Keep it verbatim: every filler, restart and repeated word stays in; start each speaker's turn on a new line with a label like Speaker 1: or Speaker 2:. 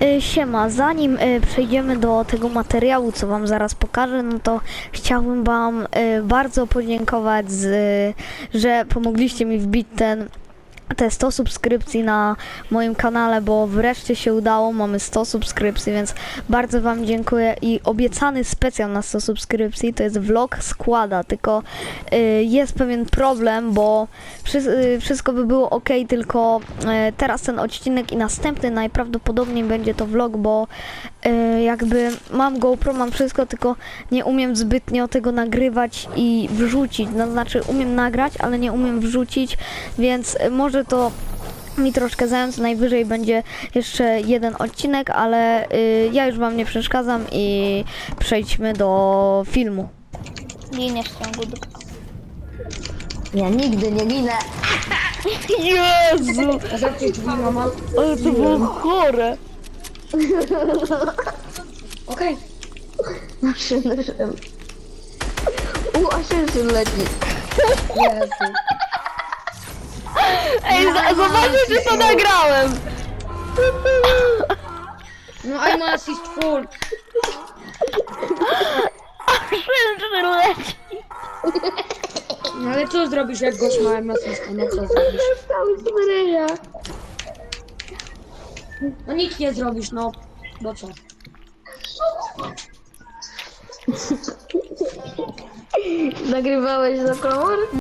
Speaker 1: Y, Siema, zanim y, przejdziemy do tego materiału, co wam zaraz pokażę, no to chciałbym wam y, bardzo podziękować, z, y, że pomogliście mi wbić ten te sto subskrypcji na moim kanale, bo wreszcie się udało, mamy sto subskrypcji, więc bardzo wam dziękuję i obiecany specjal na sto subskrypcji to jest vlog składa, tylko y, jest pewien problem, bo wszy y, wszystko by było ok, tylko y, teraz ten odcinek i następny najprawdopodobniej będzie to vlog, bo y, jakby mam GoPro, mam wszystko, tylko nie umiem zbytnio tego nagrywać i wrzucić, no znaczy umiem nagrać, ale nie umiem wrzucić, więc y, może to mi troszkę zająć, najwyżej będzie jeszcze jeden odcinek, ale y, ja już wam nie przeszkadzam i przejdźmy do filmu.
Speaker 2: Giniesz w ciągu dupy.
Speaker 3: Ja nigdy nie ginę.
Speaker 1: Jezu!
Speaker 4: Zamknij drzwi, mama.
Speaker 1: Ale to było chore!
Speaker 4: Okej.
Speaker 3: Maszyny szym. U, Aszyszyn leci.
Speaker 4: Jezu.
Speaker 1: Ej, za- zobaczcie, czy to nagrałem!
Speaker 4: No I'm assist full.
Speaker 1: Krzyży leci!
Speaker 4: No ale co zrobisz, jak gość ma I'm assist? No co zrobisz?
Speaker 3: Cały zmyryja.
Speaker 4: No nic nie zrobisz, no. Bo co?
Speaker 3: Nagrywałeś za komór?